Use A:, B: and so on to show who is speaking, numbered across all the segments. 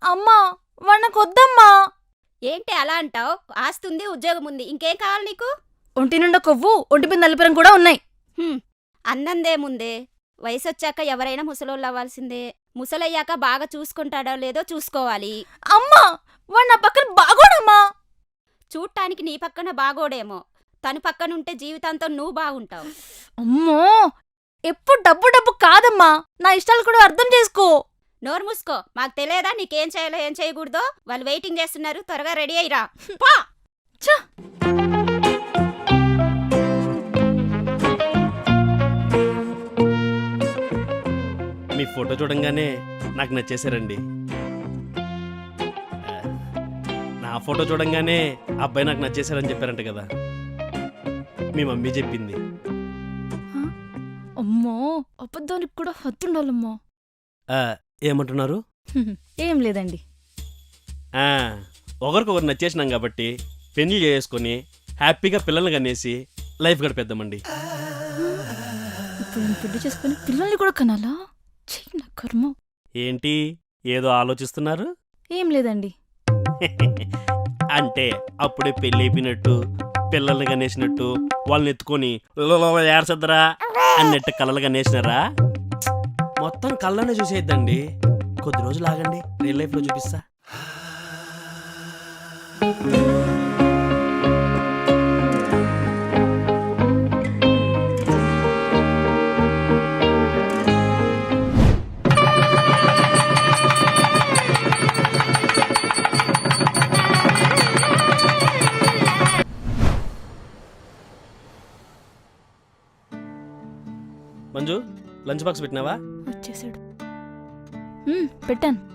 A: అమ్మా వద్దమ్మా.
B: ఏంటి అలా అంటావు? ఆస్తుంది, ఉద్యోగం ఉంది, ఇంకేం కావాలి నీకు?
A: ఒంటి నిండా కొవ్వు, ఒంటి మీద నలుపురం కూడా ఉన్నాయి.
B: అన్నందేముందే, వయసొచ్చాక ఎవరైనా ముసలోళ్ళు అవ్వాల్సిందే. ముసలయ్యాక బాగా చూసుకుంటాడో లేదో చూసుకోవాలి.
A: అమ్మా నా పక్కన బాగోడమ్మా.
B: చూడ్టానికి నీ పక్కన బాగోడేమో, తను పక్కనుంటే జీవితాంతం నువ్వు బాగుంటావు.
A: అమ్మో ఎప్పుడు డబ్బు డబ్బు కాదమ్మా, నా ఇష్టాలు కూడా అర్థం చేసుకో.
B: నోరు మూసుకో. మాకు తెలియదా నీకేం చేయాలో ఏం చేయకూడదో? వాళ్ళు వెయిటింగ్ చేస్తున్నారు, త్వరగా రెడీ అయ్యిరా.
C: మీ ఫోటో చూడంగానే నాకు నచ్చేశారండి. నా ఫోటో చూడంగానే అబ్బాయి నాకు నచ్చేశారని చెప్పారంట కదా, మీ మమ్మీ చెప్పింది.
A: అమ్మో అబద్ధానికి కూడా హద్దుండాలమ్మా.
C: ఏమంటున్నారు?
A: ఏం లేదండి.
C: ఒకరికొకరు నచ్చేసినాం కాబట్టి పెళ్లి చేసుకొని హ్యాపీగా పిల్లల్ని కనేసి లైఫ్ గడిపేద్దామండి.
A: ఇప్పుడు నేను పెళ్లి చేసుకుని పిల్లల్ని కూడా కనాలా? నా కర్మ.
C: ఏంటి ఏదో ఆలోచిస్తున్నారు?
A: ఏం లేదండి.
C: అంటే అప్పుడే పెళ్లి అయిపోయినట్టు, పిల్లల్ని కనేసినట్టు, వాళ్ళని ఎత్తుకొని ఏడ్చద్దురా అన్నట్టు కళ్ళలు కనేసినారా? మొత్తం కళ్ళనే చూసేద్దండి. కొద్ది రోజులు ఆగండి, రియల్ లైఫ్లో చూపిస్తా. మంజు, లంచ్ బాక్స్ పెట్టినావా?
A: వచ్చేసాడు. పెట్టాను,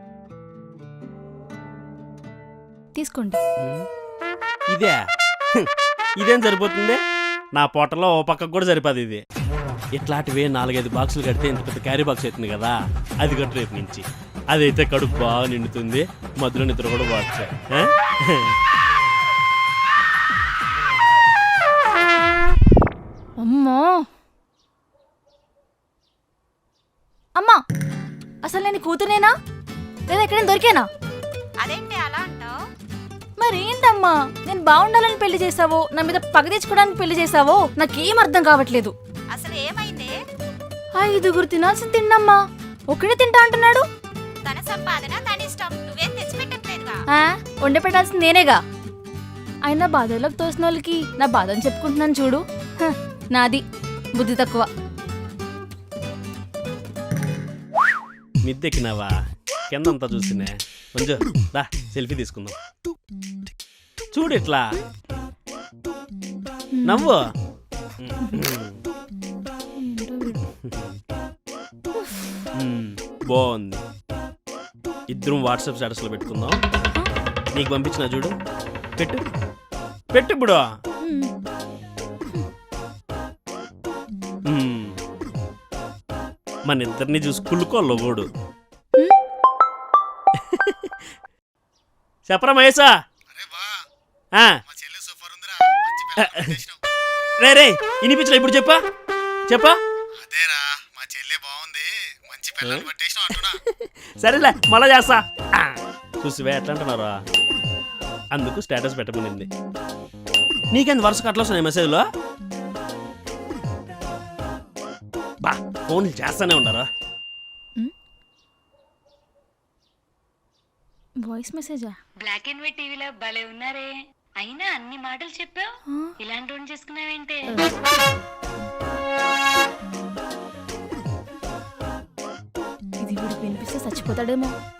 A: తీసుకోండి.
C: ఇదే ఇదేం సరిపోతుంది? నా పొట్టలో ఓ పక్కకు కూడా సరిపోదు ఇది. ఇట్లాంటివే 4-5 బాక్సులు కడితే ఇంత పెద్ద క్యారీ బాక్స్ అవుతుంది కదా, అది కట్టు రేపు నుంచి. అదైతే కడుపు బాగా నిండుతుంది, మధ్యలో నిద్ర కూడా బాగుంది.
A: అమ్మా అమ్మా, అసలు నేను కూతునేనా లేదా ఎక్కడైనా దొరికేనా?
B: అదేంటి అలా అంటావు?
A: మరేంటమ్మా, నేను బాగుండాలని పెళ్లి చేసావో నా మీద పగ తెచ్చుకోవడానికి పెళ్లి చేసావో నాకేం అర్థం కావట్లేదు.
B: అసలు ఏమైంది?
A: 5 తినాల్సింది తిండమ్మా, ఒక్కడే తింటా అంటున్నాడు.
B: తన సంపాదన తన ఇష్టం, నువ్వేం తెచ్చిపెట్టట్లేదుగా.
A: వండి పెట్టాల్సింది నేనేగా. అయినా బాధలోకి తోసిన వాళ్ళకి నా బాధని చెప్పుకుంటున్నాను చూడు. నాది బుద్ధి తక్కువ.
C: మిద్దెక్కినావా? కిందంతా చూసినే. కొంచెం దా సెల్ఫీ తీసుకుందాం. చూడు ఇట్లా నవ్వు. బాగుంది. ఇద్దరం వాట్సాప్ స్టేటస్లో పెట్టుకుందాం. నీకు పంపించిన చూడు, పెట్టు పెట్టు ఇప్పుడు. మన ఇద్దరిని చూసి కుళ్ళుకోలోగోడు. చెప్పరా మహేశా? రే రే ఇనిపించలే, ఇప్పుడు చెప్పా చెప్పా. సరేలే మళ్ళా చేస్తా. చూసివే ఎట్లా అంటున్నారా? అందుకు స్టేటస్ పెట్టమనింది. నీకెంత వరుస అట్లా వస్తున్నాయి మెసేజ్లో? బా ఫోన్ చేస్తానే ఉన్నారా?
A: వాయిస్ మెసేజా?
D: బ్లాక్ అండ్ వైట్ టీవీలో భలే ఉన్నారే. అయినా అన్ని మాటలు చెప్పావు, ఇలాంటి ఓన్ చేసుకున్నావేంటే?
A: ఇది వీడికి వినిపిస్తే చచ్చిపోతాడేమో.